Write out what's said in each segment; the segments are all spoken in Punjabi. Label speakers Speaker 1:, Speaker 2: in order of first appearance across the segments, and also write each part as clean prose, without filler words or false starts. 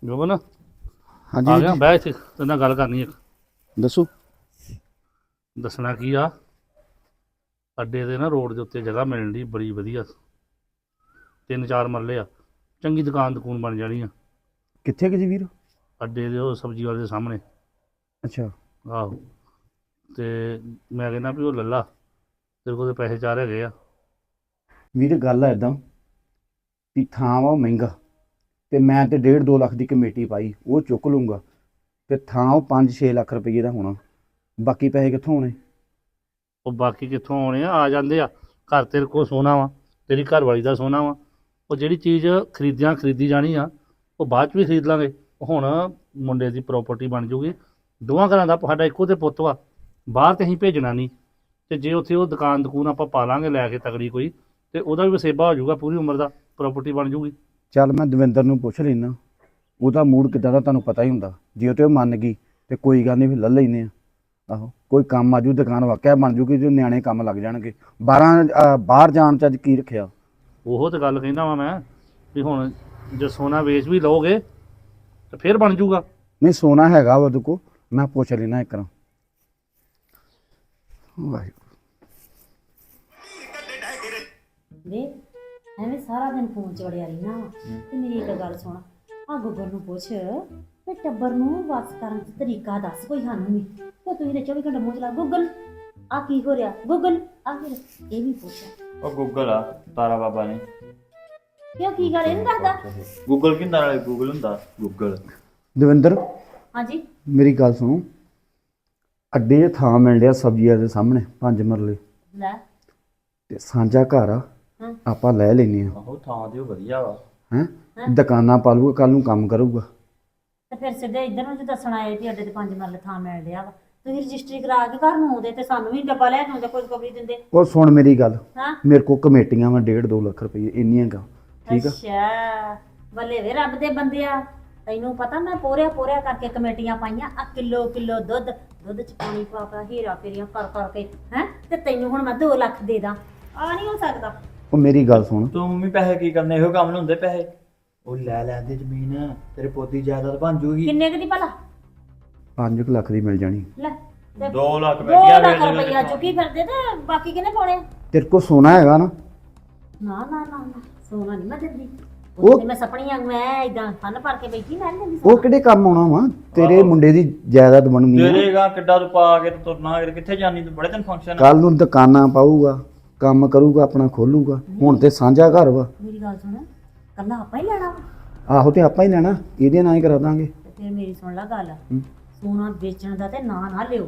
Speaker 1: ਜੋਬਨ
Speaker 2: ਹਾਂਜੀ
Speaker 1: ਆ
Speaker 2: ਵੀਰ
Speaker 1: ਗਿਆ
Speaker 2: ਜੀ,
Speaker 1: ਬਹਿ ਇੱਥੇ ਤੇਰੇ ਨਾਲ ਗੱਲ ਕਰਨੀ ਇੱਕ
Speaker 2: ਦੱਸੋ।
Speaker 1: ਦੱਸਣਾ ਕੀ ਆ ਅੱਡੇ ਦੇ ਨਾ ਰੋਡ ਦੇ ਉੱਤੇ ਜਗ੍ਹਾ ਮਿਲਣ ਦੀ ਬੜੀ ਵਧੀਆ 3-4 ਮਰਲੇ ਆ ਚੰਗੀ ਦੁਕਾਨ ਬਣ ਜਾਣੀ ਆ
Speaker 2: ਕਿੱਥੇ ਕਿ ਜੀ ਵੀਰ?
Speaker 1: ਅੱਡੇ ਦੇ ਉਹ ਸਬਜ਼ੀ ਵਾਲੇ ਦੇ ਸਾਹਮਣੇ
Speaker 2: ਅੱਛਾ,
Speaker 1: ਆਹੋ ਤੇ ਮੈਂ ਕਹਿੰਦਾ ਵੀ ਉਹ ਲੱਲਾ ਤੇਰੇ ਕੋਲ ਤੇ ਪੈਸੇ ਚਾਰ ਹੈਗੇ ਆ
Speaker 2: ਵੀਰ ਗੱਲ ਆ ਇਦਾਂ ਵੀ ਥਾਂ ਵਾ ਉਹ ਮਹਿੰਗਾ ਤੇ ਮੈਂ ਤੇ 1.5-2 ਲੱਖ ਦੀ ਕਮੇਟੀ ਪਾਈ, ਉਹ ਚੁੱਕ ਲੂੰਗਾ ਤੇ ਥਾਂ ਉਹ 5-6 ਲੱਖ ਰੁਪਏ ਦਾ ਹੋਣਾ। ਬਾਕੀ ਪੈਸੇ ਕਿੱਥੋਂ ਆਉਣੇ?
Speaker 1: ਉਹ ਬਾਕੀ ਕਿੱਥੋਂ ਆਉਣੇ ਆ ਜਾਂਦੇ ਆ ਘਰ ਤੇਰੇ ਕੋਲ ਸੋਨਾ ਵਾ ਤੇਰੀ ਘਰ ਵਾਲੀ ਦਾ ਸੋਨਾ ਵਾ ਉਹ ਜਿਹੜੀ ਚੀਜ਼ ਖਰੀਦੀ ਜਾਣੀ ਆ ਉਹ ਬਾਅਦ ਚ ਵੀ ਖਰੀਦ ਲਾਂਗੇ ਹੁਣ ਮੁੰਡੇ ਦੀ ਪ੍ਰਾਪਰਟੀ ਬਣ ਜੂਗੀ ਦੋਵਾਂ ਘਰਾਂ ਦਾ ਸਾਡਾ ਇੱਕੋ ਤੇ ਪੁੱਤ ਵਾ ਬਾਹਰ ਤੇ ਅਸੀਂ ਭੇਜਣਾ ਨਹੀਂ ਤੇ ਜੇ ਉੱਥੇ ਉਹ ਦੁਕਾਨ ਆਪਾਂ ਪਾ ਲਾਂਗੇ ਲੈ ਕੇ ਤਗੜੀ ਕੋਈ ਤੇ ਉਹਦਾ ਵੀ ਵਸੇਬਾ ਹੋ ਜਾਊਗਾ ਪੂਰੀ ਉਮਰ ਦਾ ਪ੍ਰਾਪਰਟੀ ਬਣ ਜੂਗੀ।
Speaker 2: ਚੱਲ ਮੈਂ ਦਵਿੰਦਰ ਨੂੰ ਪੁੱਛ ਲੈਣਾ, ਉਹਦਾ ਮੂਡ ਕਿੱਦਾਂ ਦਾ ਤੁਹਾਨੂੰ ਪਤਾ ਹੀ ਹੁੰਦਾ। ਜੇ ਉਹ ਤੇ ਉਹ ਮੰਨ ਗਈ ਤੇ ਕੋਈ ਗੱਲ ਨਹੀਂ, ਫਿਰ ਲੈ ਲੈਨੇ ਆ। ਆਹੋ ਕੋਈ ਕੰਮ ਆਜੂ, ਦੁਕਾਨ ਵਾਕਿਆ ਬਣ ਜੂਗੀ ਤੇ ਨਿਆਣੇ ਕੰਮ ਲੱਗ ਜਾਣਗੇ। ਬਾਹਰ ਜਾਣ ਚ ਅੱਜ ਕੀ ਰੱਖਿਆ?
Speaker 1: ਉਹ ਤੇ ਗੱਲ ਕਹਿੰਦਾ ਵਾਂ ਮੈਂ ਵੀ ਹੁਣ ਜੇ ਸੋਨਾ ਵੇਚ ਵੀ ਲਓਗੇ ਤੇ ਫਿਰ ਬਣ ਜੂਗਾ।
Speaker 2: ਨਹੀਂ ਸੋਨਾ ਹੈਗਾ ਵਾ ਉਹਦੇ ਕੋਲ, ਮੈਂ ਪੁੱਛ ਲੈਣਾ ਇੱਕ ਵਾਰ। ਵਾਹਿਗੁਰੂ
Speaker 3: ਵੇ ਐਵੇਂ ਸਾਰਾ ਦਿਨ ਫੋਨ 'ਚ ਵੜਿਆ ਰਹਿਣਾ ਤੇ ਮੇਰੀ ਇੱਕ ਗੱਲ ਸੁਣ, ਆ ਗੁੱਗਲ ਨੂੰ ਪੁੱਛ ਤੇ ਟੱਬਰ ਨੂੰ ਵਸ ਕਰਨ ਦਾ ਤਰੀਕਾ ਦੱਸ ਕੋਈ ਸਾਨੂੰ ਵੀ। ਤੇ ਤੁਸੀਂ ਤੇ 24 ਘੰਟੇ ਮੂੰਹ ਚਲਾ ਗੂਗਲ ਆ ਕੀ ਹੋ ਰਿਹਾ ਗੂਗਲ ਆ ਫਿਰ ਇਹ ਵੀ ਪੁੱਛ
Speaker 4: ਉਹ ਗੂਗਲ ਆ ਤਾਰਾ ਬਾਬਾ ਨੇ।
Speaker 3: ਕਿਉਂ ਕੀ ਗੱਲ ਇਹ ਨੀ ਦੱਸਦਾ?
Speaker 4: ਗੂਗਲ ਕਿੰਦਾ ਨਾਲੇ ਗੂਗਲ ਹੁੰਦਾ ਗੂਗਲ।
Speaker 2: ਦਵਿੰਦਰ
Speaker 3: ਹਾਂਜੀ
Speaker 2: ਮੇਰੀ ਗੱਲ ਸੁਣੋ, ਅੱਡੇ 'ਚ ਥਾਂ ਮਿਲ ਰਿਹਾ ਸਬਜ਼ੀਆਂ ਦੇ ਸਾਹਮਣੇ 5 ਮਰਲੇ
Speaker 3: ਲੈ
Speaker 2: ਤੇ ਸਾਂਝਾ ਘਰ ਆ,
Speaker 3: ਹਾਂ।
Speaker 2: ਆਪਾਂ ਲੈ ਲੈਨੇ ਆ।
Speaker 4: ਆਹੋ ਥਾਂ ਤੇ ਉਹ ਵਧੀਆ ਵਾ।
Speaker 2: ਹੈਂ ਦੁਕਾਨਾਂ ਪਾ ਲੂਗਾ, ਕੱਲ ਨੂੰ ਕੰਮ ਕਰੂਗਾ।
Speaker 3: ਤੇ ਫਿਰ ਸਿੱਧੇ ਇੱਧਰ ਨੂੰ ਜੇ ਦੱਸਣ ਆਏ ਵੀ ਅੱਡੇ ਤੇ 5 ਮਰਲੇ ਥਾਂ ਮਿਲ ਰਿਹਾ ਵਾ, ਤੁਸੀਂ ਰਜਿਸਟਰੀ ਕਰਾ ਕੇ ਘਰ ਨੂੰ ਆਉਂਦੇ ਤੇ ਸਾਨੂੰ ਵੀ ਡੱਬਾ ਲੈ ਕੇ ਆਉਂਦੇ, ਕੋਈ ਕਬਰੀ ਦਿੰਦੇ।
Speaker 2: ਉਹ ਸੁਣ ਮੇਰੀ ਗੱਲ,
Speaker 3: ਹਾਂ
Speaker 2: ਮੇਰੇ ਕੋਲ ਕਮੇਟੀਆਂ ਵਾ 1.5-2 ਲੱਖ ਰੁਪਏ ਇੰਨੀਆਂ ਗਾ, ਠੀਕ ਆ।
Speaker 3: ਅੱਛਾ ਬੱਲੇ ਵੇ ਰੱਬ ਦੇ ਬੰਦਿਆ, ਤੈਨੂੰ ਪਤਾ ਮੈਂ ਪੋਰਿਆ ਕਰਕੇ ਕਮੇਟੀਆਂ ਪਾਈਆਂ ਆ ਕਿਲੋ ਦੁੱਧ ਚ ਪਾਣੀ ਪਾ ਪਾ ਹੀਰਾ ਫੇਰੀਆਂ ਕਰ ਕਰਕੇ ਹੈ ਤੇ ਤੈਨੂੰ ਹੁਣ ਮੈਂ 2 ਲੱਖ ਦੇ ਦਾਂ? ਆ ਨਹੀਂ ਹੋ ਸਕਦਾ।
Speaker 2: ਉਹ ਮੇਰੀ ਗੱਲ ਸੁਣ,
Speaker 4: ਤੂੰ ਮੰਮੀ ਪੈਸੇ ਕੀ ਕਰਨੇ, ਇਹੋ ਕੰਮ ਨੂੰ ਹੁੰਦੇ ਪੈਸੇ। ਉਹ ਲੈ ਲੈਂਦੇ ਜ਼ਮੀਨ, ਤੇਰੇ ਪੋਤੀ ਜਾਇਦਾਦ ਬਣ ਜੂਗੀ।
Speaker 3: ਕਿੰਨੇ ਕੁ ਦੀ ਭਲਾ?
Speaker 2: 5 ਲੱਖ ਦੀ ਮਿਲ ਜਾਣੀ।
Speaker 3: ਲੈ
Speaker 4: 2 ਲੱਖ
Speaker 3: 2
Speaker 4: ਬੈਠਿਆ
Speaker 3: ਲੱਖ ਰੁਪਈਆ ਚੁੱਕੀ ਫਿਰਦੇ ਤੇ ਬਾਕੀ ਕਿਹਨੇ ਪਾਉਣੇ?
Speaker 2: ਤੇਰੇ ਕੋਲ ਸੋਨਾ ਹੈਗਾ ਨਾ?
Speaker 3: ਨਾ ਸੋਨਾ ਨਹੀਂ ਮੈਂ ਦਿੰਦੀ।
Speaker 2: ਉਹ-
Speaker 3: ਉਹ ਮੈਂ ਸਪਣੀਆਂ ਮੈਂ ਇਦਾਂ ਫਨ ਭਰ ਕੇ ਬੈਠੀ ਮੈਂ ਨੀ ਦਿੰਦੀ
Speaker 2: ਉਹ
Speaker 3: ਸੋਨਾ।
Speaker 2: ਕਿਹੜੇ ਕੰਮ ਆਉਣਾ ਵਾ? ਤੇਰੇ
Speaker 4: ਆਹੋ।
Speaker 2: ਮੁੰਡੇ ਦੀ ਜਾਇਦਾਦ ਬਣਨੀ ਆ।
Speaker 4: ਤੇਰੇਗਾ ਕਿੱਡਾ ਤੂੰ ਪਾ ਕੇ ਤੇ ਤੁਰਨਾ, ਕਿੱਥੇ ਜਾਣੀ ਤੂੰ? ਬੜੇ ਦਿਨ ਫੰਕਸ਼ਨ।
Speaker 2: ਕੱਲ ਨੂੰ ਦੁਕਾਨਾਂ ਪਾਊਗਾ, ਕੰਮ ਕਰੂਗਾ, ਆਪਣਾ ਖੋਲੂਗਾ। ਹੁਣ ਤੇ ਸਾਂਝਾ ਘਰ ਵਾ।
Speaker 3: ਮੇਰੀ ਗੱਲ ਸੁਣ, ਕੱਲਾ ਆਪਾਂ ਹੀ ਲੈਣਾ ਵਾ
Speaker 2: ਆਹੋ ਤੇ ਆਪਾਂ ਹੀ ਲੈਣਾ, ਇਹਦੇ ਨਾਲ ਹੀ ਕਰਾ ਦਾਂਗੇ।
Speaker 3: ਤੇ ਫਿਰ ਮੇਰੀ ਸੁਣ ਲੈ ਗੱਲ,
Speaker 2: ਹੂੰ।
Speaker 3: ਸੋਨਾ ਵੇਚਣ ਦਾ ਤੇ ਨਾ ਲਿਓ।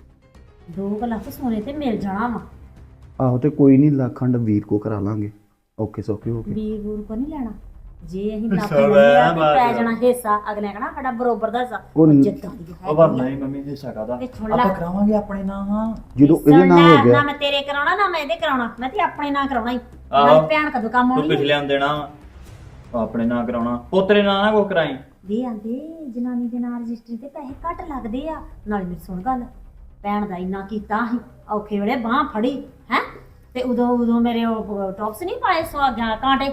Speaker 3: 2 ਲੱਖ ਸੋਨੇ ਤੇ ਮਿਲ ਜਾਣਾ ਵਾ।
Speaker 2: ਆਹੋ ਤੇ ਕੋਈ ਨਹੀਂ, ਲੱਖਾਂ ਵੀਰ ਕੋ ਕਰਾ ਲਾਂਗੇ, ਔਖੇ ਸੌਖੇ ਹੋ ਕੇ।
Speaker 3: ਵੀਰ ਵੂਰ ਕੋ ਨਹੀਂ ਲੈਣਾ। ਜੇ ਅਸੀਂ ਲੱਖ
Speaker 4: ਸਭ
Speaker 3: ਲੈਣਾ ਤੇ
Speaker 4: ਬਾਤ
Speaker 3: ਪੈ
Speaker 4: ਆ।
Speaker 3: ਜਾਣਾ ਹਿੱਸਾ, ਅਗਲੇ ਕਹਿਣਾ ਸਾਡਾ ਬਰੋਬਰ ਦਾ ਹਿੱਸਾ।
Speaker 2: ਉਹ ਨ-
Speaker 3: ਜਿੱਦਾਂ ਦੀ ਹੈ
Speaker 4: ਉਹ ਭਰਨਾ ਹੀ ਮੰਮੀ ਹਿੱਸਾ ਕਾਦਾ
Speaker 3: ਇਹ ਸੁਣ ਲੈ।
Speaker 4: ਆਪਾਂ ਕਰਾਵਾਂਗੇ ਆਪਣੇ ਨਾਂ। ਹਾਂ
Speaker 2: ਜਦੋਂ ਇਹਦੇ ਨਾਲ ਹੋ
Speaker 3: ਨਾ
Speaker 2: ਗਿਆ,
Speaker 3: ਮੈਂ ਤੇਰੇ ਕਰਾਉਣਾ ਨਾ ਮੈਂ ਇਹਦੇ ਕਰਾਉਣਾ, ਮੈਂ ਤੇ ਆਪਣੇ ਨਾਲ ਕਰਾਉਣਾ ਹੀ।
Speaker 4: ਆਹੋ।
Speaker 3: ਨਾਲ ਭੈਣ ਕਦੋਂ ਕੰਮ
Speaker 4: ਤੂੰ
Speaker 3: ਆਉਣੀ ਹੈ?
Speaker 4: ਪਿਛਲਿਆਂ ਨੂੰ ਦੇਣਾ ਵਾ, ਉਹ ਆਪਣੇ ਨਾਂ ਕਰਾਉਣਾ, ਪੋਤਰੇ ਨਾਂ ਨਾ ਕੋ ਕਰਾਈ।
Speaker 3: ਦੇ ਆਂਦੇ ਜਨਾਨੀ ਦੇ ਨਾਲ ਰਜਿਸਟਰੀ ਤੇ ਪੈਸੇ ਘੱਟ ਲੱਗਦੇ ਆ। ਨਾਲ ਮੇਰੀ ਸੁਣ ਗੱਲ, ਭੈਣ ਦਾ ਇੰਨਾ ਕੀਤਾ ਸੀ, ਔਖੇ ਵੇਲੇ ਬਾਹ ਫੜੀ ਹੈ ਤੇ ਉਦੋਂ ਮੇਰੇ ਉਹ ਟੌਪਸ ਨਹੀਂ ਪਾਏ ਸੁਹਾਗਿਆਂ ਕਾਂਟੇ,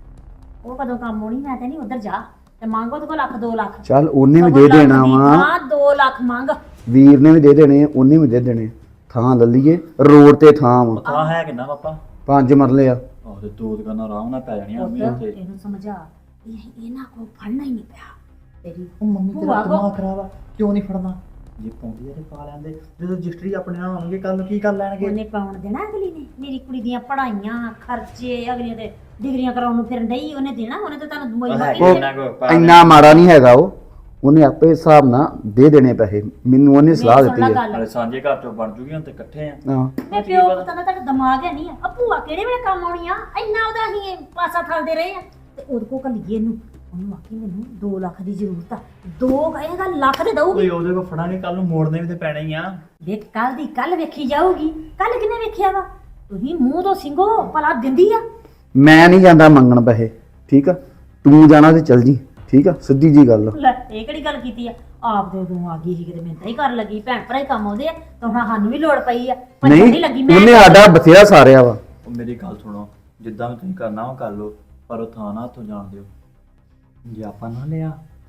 Speaker 3: ਉਹ ਕਦੋਂ ਕੰਮ ਆਉਣੀ? ਮੈਂ ਤੇ ਨਹੀਂ ਉਧਰ ਜਾ ਤੇ ਮੰਗੋ ਤੇ ਕੋ ਲੱਖ 2 ਲੱਖ।
Speaker 2: ਚੱਲ ਉਹਨੇ ਵੀ ਦੇ ਦੇਣਾ ਵਾ,
Speaker 3: ਹਾਂ 2 ਲੱਖ ਮੰਗ।
Speaker 2: ਵੀਰ ਨੇ ਵੀ ਦੇ ਦੇਣੇ, ਉਹਨੇ ਵੀ ਦੇ ਦੇਣੇ। ਥਾਂ ਲੈ ਲਈਏ, ਰੋਡ ਤੇ ਥਾਂ ਵਾ,
Speaker 4: ਥਾਂ ਹੈ ਕਿੰਨਾ ਪਾਪਾ?
Speaker 2: 5 ਮਰਲੇ ਆ।
Speaker 4: ਆਹ ਤੇ 2 ਦੁਕਾਨਾਂ ਆਰਾਮ ਨਾਲ ਪੈ ਜਾਣੀਆਂ ਮੰਮੀ
Speaker 3: ਪੁੱਤ
Speaker 4: ਉੱਥੇ।
Speaker 3: ਇਹਨੂੰ ਸਮਝਾ, ਇਹਨਾਂ ਕੋ ਫੜਨਾ ਹੀ ਨਹੀਂ ਪਿਆ ਤੇਰੀ
Speaker 4: ਉਹ ਮੰਮੀ
Speaker 3: ਭੂਆ
Speaker 4: ਤੇਰਾ
Speaker 3: ਕੋ-
Speaker 4: ਦਿਮਾਗ ਖਰਾਬ ਆ, ਕਿਉਂ ਨਹੀਂ ਫੜਨਾ? ਜੇ ਪਾਉਂਦੀ ਆ ਤੇ ਪਾ ਲੈਂਦੇ, ਜਦੋਂ ਰਜਿਸਟਰੀ ਆਪਣੇ ਨਾਲ ਹੋਣਗੇ ਕੱਲ ਨੂੰ ਕੀ ਕਰ ਲੈਣਗੇ?
Speaker 3: ਉਹਨੇ ਪਾਉਣ ਦੇਣਾ ਅਗਲੀ ਨੇ? ਮੇਰੀ ਕੁੜੀ ਦੀਆਂ ਪੜ੍ਹਾਈਆਂ ਖਰਚੇ, ਅਗਲੀਆਂ ਦੇ ਡਿਗਰੀਆਂ ਕਰਾਉਣ ਨੂੰ ਫਿਰਨ ਡਈ, ਉਹਨੇ ਦੇਣਾ? ਉਹਨੇ ਤਾਂ ਤੁਹਾਨੂੰ
Speaker 4: ਉਹ
Speaker 3: ਦੁਆਈ
Speaker 4: ਹੈ
Speaker 3: ਮਾਰੀ
Speaker 4: ਕਿੰਨਾ ਕੁ ਪਾ
Speaker 2: ਇੰਨਾ ਮਾੜਾ ਨਹੀਂ ਹੈਗਾ ਉਹ, ਉਹਨੇ ਆਪੇ ਹਿਸਾਬ ਨਾਲ ਦੇ ਦੇਣੇ ਪੈਸੇ। ਮੈਨੂੰ ਉਹਨੇ ਸਲਾਹ ਦਿੱਤੀ ਹੈ।
Speaker 4: ਨਾਲੇ ਸਾਂਝੇ ਘਰ ਚੋਂ ਬਣ ਜੂਗੀ, ਹੁਣ ਤੇ ਇਕੱਠੇ ਆ।
Speaker 2: ਹਾਂ
Speaker 3: ਮੈਂ ਪਿਓ ਪੁੱਤਾਂ ਦਾ ਤੁਹਾਡਾ ਦਿਮਾਗ ਹੈ ਨਹੀਂ ਆ ਭੂਆ ਕਿਹੜੇ ਵੇਲੇ ਕੰਮ ਆਉਣੀ ਆ? ਇੰਨਾ ਉਹਦਾ ਅਸੀਂ ਪਾਸਾ ਠਲਦੇ ਰਹੇ ਆ ਤੇ ਉਹਦੇ ਕੋ ਕੱਲੀਏ ਇਹਨੂੰ, ਉਹਨੂੰ ਆਖੀ ਮੈਨੂੰ 2 ਲੱਖ ਦੀ ਜ਼ਰੂਰਤ ਆ। 2 ਕਹੇਗਾ ਲੱਖ ਦੇ ਦਊਗੀ।
Speaker 4: ਕੋਈ ਉਹਦੇ ਕੋ ਫੜਾਂਗੇ, ਕੱਲ ਨੂੰ ਮੋੜਨੇ ਵੀ ਤੇ ਪੈਣੇ ਹੀ ਆ।
Speaker 3: ਵੇਖ ਕੱਲ ਦੀ ਕੱਲ ਵੇਖੀ ਜਾਊਗੀ। ਕੱਲ ਕਿਨੇ ਵੇਖਿਆ ਵਾ? ਤੁਸੀਂ ਮੂੰਹ ਤੋਂ ਸਿੰਘੋ ਭਲਾ ਦਿੰਦੀ ਆ।
Speaker 2: ਮੈਂ ਨਹੀਂ ਜਾਂਦਾ ਮੰਗਣ ਪੈਸੇ, ਠੀਕ ਆ। ਤੂੰ ਜਾਣਾ ਤੇ ਚੱਲ ਜੀ, ਠੀਕ ਆ, ਸਿੱਧੀ ਜੀ ਗੱਲ ਆ।
Speaker 3: ਲੈ ਇਹ ਕਿਹੜੀ ਗੱਲ ਕੀਤੀ ਆ? ਆਪ ਦੇ ਉਦੋਂ ਆ ਗਈ ਸੀ ਕਿਤੇ ਮਿੰਤਾ ਹੀ ਕਰਨ ਲੱਗੀ, ਭੈਣ ਭਰਾ ਹੀ ਕੰਮ ਆਉਂਦੇ ਆ ਤਾਂ ਹੁਣ ਸਾਨੂੰ ਵੀ ਲੋੜ ਪਈ ਆ। ਭੱਜਣ
Speaker 2: ਨਹੀਂ,
Speaker 3: ਨਹੀਂ ਲੱਗੀ ਮੈਂ।
Speaker 2: ਉਹਨੇ ਆਡਾ ਬਥੇਰਾ ਸਾਰਿਆ ਵਾ।
Speaker 4: ਉਹ ਮੇਰੀ ਗੱਲ ਸੁਣੋ, ਜਿੱਦਾਂ ਵੀ ਤੁਸੀਂ ਕਰਨਾ ਉਹ ਕਰ ਲਓ, ਪਰ ਉਹ ਥਾਂ ਨਾ ਹੱਥੋਂ ਜਾਣ ਦਿਓ। ਜੇ ਆਪਾਂ ਨਾ ਲਿਆ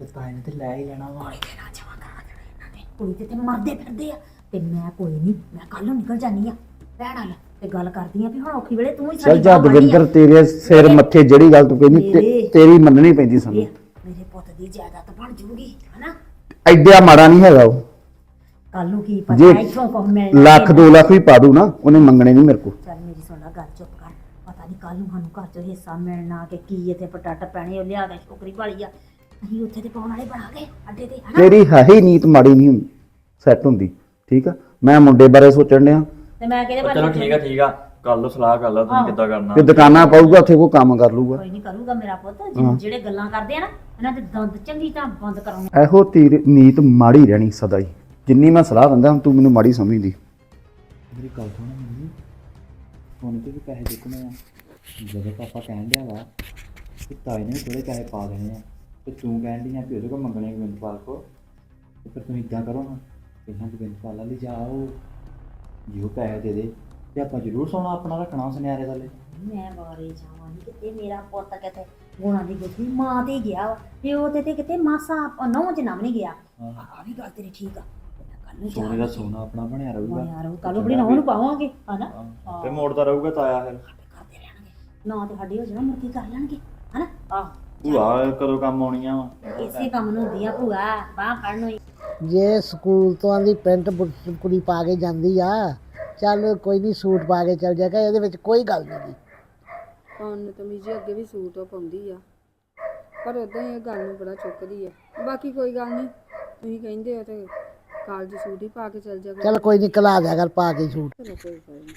Speaker 4: ਤੇ ਤਾਏ ਨੇ ਤੇ ਲੈ ਹੀ ਲੈਣਾ ਵਾ।
Speaker 3: ਕੁੜੀ ਤੇ ਮਰਦੇ ਫਿਰਦੇ ਆ ਤੇ ਮੈਂ ਕੋਈ ਨਹੀਂ, ਮੈਂ ਕੱਲ ਨੂੰ ਨਿਕਲ ਜਾਨੀ ਆ ਭੈਣ ਨਾਲ ਤੇ ਗੱਲ ਕਰਦੀ ਆ ਵੀ ਹੁਣ ਔਖੀ ਵੇਲੇ ਤੂੰ ਹੀ
Speaker 2: ਚੱਲ
Speaker 3: ਸਾਡੀ
Speaker 2: ਜਾ
Speaker 3: ਬਾਂਹ ਫੜੀ ਆ।
Speaker 2: ਦਵਿੰਦਰ, ਤੇਰੇ ਸਿਰ ਮੱਥੇ ਜਿਹੜੀ ਗੱਲ ਤੂੰ ਕਹਿੰਦੀ ਤੇਰੀ ਮੰਨਣੀ ਪੈਂਦੀ ਸਾਨੂੰ।
Speaker 3: ਮੇਰੇ ਪੁੱਤ ਦੀ ਜਾਇਦਾਦ ਬਣ ਜੂਗੀ ਹਨਾ।
Speaker 2: ਐਡਾ ਮਾੜਾ ਨਹੀਂ ਹੈਗਾ ਉਹ।
Speaker 3: ਕੱਲ ਨੂੰ ਕੀ
Speaker 2: ਜੇ
Speaker 3: ਪਤਾ ਇੱਥੋਂ ਕੁਝ ਮਿਲਣਾ
Speaker 2: ਲੱਖ 2 ਲੱਖ ਵੀ ਪਾ ਦੂ ਨਾ, ਉਹਨੇ ਮੰਗਣੇ ਨਹੀਂ ਮੇਰੇ ਕੋਲ।
Speaker 3: ਚੱਲ ਮੇਰੀ ਸੁਣ ਲੈ ਗੱਲ, ਚੁੱਪ ਕਰ। ਪਤਾ ਨਹੀਂ ਕੱਲ ਨੂੰ ਸਾਨੂੰ ਘਰ ਚੋਂ ਹਿੱਸਾ ਮਿਲਣਾ ਕਿ ਕੀ ਇੱਥੇ ਪਟਾਟ ਪੈਣੇ, ਉਹ ਲਿਆ ਕੇ ਛੋਕਰੀ ਵਾਲੀ ਆ, ਅਸੀਂ ਉੱਥੇ ਤੇ ਪਾਉਣ ਵਾਲੇ ਬਣਾਂਗੇ ਅੱਡੇ ਤੇ ਹਨਾ।
Speaker 2: ਤੇਰੀ ਹੈ ਹੀ ਨੀਤ ਮਾੜੀ ਨਹੀਂ ਸੈੱਟ ਹੁੰਦੀ, ਠੀਕ ਆ। ਮੈਂ ਮੁੰਡੇ ਬਾਰੇ ਸੋਚਣ ਡਿਆ
Speaker 3: ਤੇ ਮੈਂ ਕਿਹਦੇ ਬਾਰੇ
Speaker 4: ਚਲੋ ਠੀਕ ਆ ਕਰ ਲਓ ਸਲਾਹ ਕਰ ਲਓ ਤੁਸੀਂ ਕਿੱਦਾਂ ਕਰਨਾ।
Speaker 2: ਤੇ ਦੁਕਾਨਾਂ ਪਾਊਗਾ ਉੱਥੇ ਕੋਈ ਕੰਮ ਕਰ ਲੂਗਾ।
Speaker 3: ਕੋਈ ਨਹੀਂ ਕਰੂਗਾ ਮੇਰਾ ਪੁੱਤ, ਜਿਹੜੇ ਗੱਲਾਂ ਕਰਦੇ ਆ ਨਾ ਇਹਨਾਂ ਦੇ ਦੰਦ ਚੰਗੀ ਤਰ੍ਹਾਂ ਬੰਦ ਕਰਾਉਣਾ।
Speaker 2: ਇਹੋ ਤੇਰੀ ਨੀਤ ਮਾੜੀ ਰਹਿਣੀ ਸਦਾ ਹੀ। ਜਿੰਨੀ ਮੈਂ ਸਲਾਹ ਦਿੰਦਾ ਤੂੰ ਮੈਨੂੰ ਮਾੜੀ ਸਮਝਦੀ।
Speaker 4: ਮੇਰੀ ਗੱਲ ਸੁਣ ਮੰਮੀ, ਹੁਣ ਤੇ ਵੀ ਪੈਸੇ ਚੁੱਕਣੇ ਆ। ਜਦੋਂ ਪਾਪਾ ਕਹਿਣ ਡਿਆ ਵਾ ਕਿ ਤਾਏ ਨੇ ਥੋੜੇ ਪੈਸੇ ਪਾ ਦੇਣੇ ਆ ਤੇ ਤੂੰ ਕਹਿਣ ਡਈ ਆ ਕਿ ਉਹਦੇ ਕੋਲ ਮੰਗਣੇ ਗੋਬਿੰਦਪਾਲ ਕੋ, ਤੇ ਫਿਰ ਤੁਸੀਂ ਇੱਦਾਂ ਕਰੋ ਨਾ, ਪਹਿਲਾਂ ਗੋਬਿੰਦਪਾਲ ਵਾਲੀ ਜਾਓ, ਜੇ ਉਹ ਪੈਸੇ ਦੇ ਦੇ ਤੇ ਆਪਾਂ ਜ਼ਰੂਰ ਸੋਨਾ ਆਪਣਾ ਰੱਖਣਾ ਸੁਨਿਆਰੇ ਥੱਲੇ।
Speaker 3: ਮੈਂ ਬਾਰੇ ਜਾਵਾਂਗੀ ਕਿਤੇ, ਮੇਰਾ ਪੁੱਤ ਕਿਤੇ ਗੁਣਾ ਦੀ ਗੁੱਥੀ ਮਾਂ ਤੇ ਗਿਆ ਵਾ, ਪਿਓ ਤੇ ਕਿਤੇ ਮਾਸਾ ਨੌ ਜਨਮ ਨਹੀਂ ਗਿਆ। ਆ ਵੀ ਗੱਲ ਤੇਰੀ ਠੀਕ ਆ। ਕੱਲ ਨੂੰ
Speaker 4: ਸੋਨੇ ਦਾ ਸੋਨਾ ਆਪਣਾ ਬਣਿਆ ਰਹੂਗਾ
Speaker 3: ਯਾਰ ਕੱਲ ਆਪਣੀ ਨੌ ਨੂੰ ਪਾਵਾਂਗੇ ਹਨਾ।
Speaker 4: ਤੇ ਮੋੜਦਾ ਰਹੂਗਾ ਤਾਇਆ ਫਿਰ।
Speaker 3: ਕਰਦੇ ਰਹਿਣਗੇ ਨਾ ਤੇ ਸਾਡੀ ਹੋ ਜਾਣਾ, ਮੁਰਗੀ ਕਰ ਲੈਣਗੇ ਹਨਾ। ਆਹ
Speaker 4: ਭੂਆ ਕਦੋਂ ਕੰਮ ਆਉਣੀਆਂ ਵਾ।
Speaker 3: ਇਸੇ ਕੰਮ ਨੂੰ ਹੁੰਦੀ ਆ ਭੂਆ, ਬਾਹ ਫੜਨ ਨੂੰ ਹੀ।
Speaker 5: ਜੇ ਸਕੂਲ ਤੋਂ ਆਂਦੀ ਪੈਂਟ ਕੁੜੀ ਪਾ ਕੇ ਜਾਂਦੀ ਆ, ਚੱਲ ਕੋਈ ਨਹੀਂ ਸੂਟ ਪਾ ਕੇ ਚੱਲ ਜਾਏਗਾ, ਇਹਦੇ ਵਿੱਚ ਕੋਈ ਗੱਲ ਨਹੀਂ।
Speaker 6: ਪਾਉਣ ਤਾਂ ਜੀ ਅੱਗੇ ਵੀ ਸੂਟ ਉਹ ਪਾਉਂਦੀ ਆ, ਪਰ ਉਦਾਂ ਹੀ ਇਹ ਗੱਲ ਨੂੰ ਬੜਾ ਚੁੱਕਦੀ ਆ। ਬਾਕੀ ਕੋਈ ਗੱਲ ਨਹੀਂ, ਤੁਸੀਂ ਕਹਿੰਦੇ ਹੋ ਤੇ ਕਾਲਜ ਸੂਟ ਹੀ ਪਾ ਕੇ ਚੱਲ ਜਾਗਾ।
Speaker 5: ਚੱਲ ਕੋਈ ਨਹੀਂ ਕਲਾ ਦਿਆ ਕਰ ਪਾ ਕੇ ਸੂਟ।
Speaker 6: ਚਲੋ ਕੋਈ ਗੱਲ ਨਹੀਂ।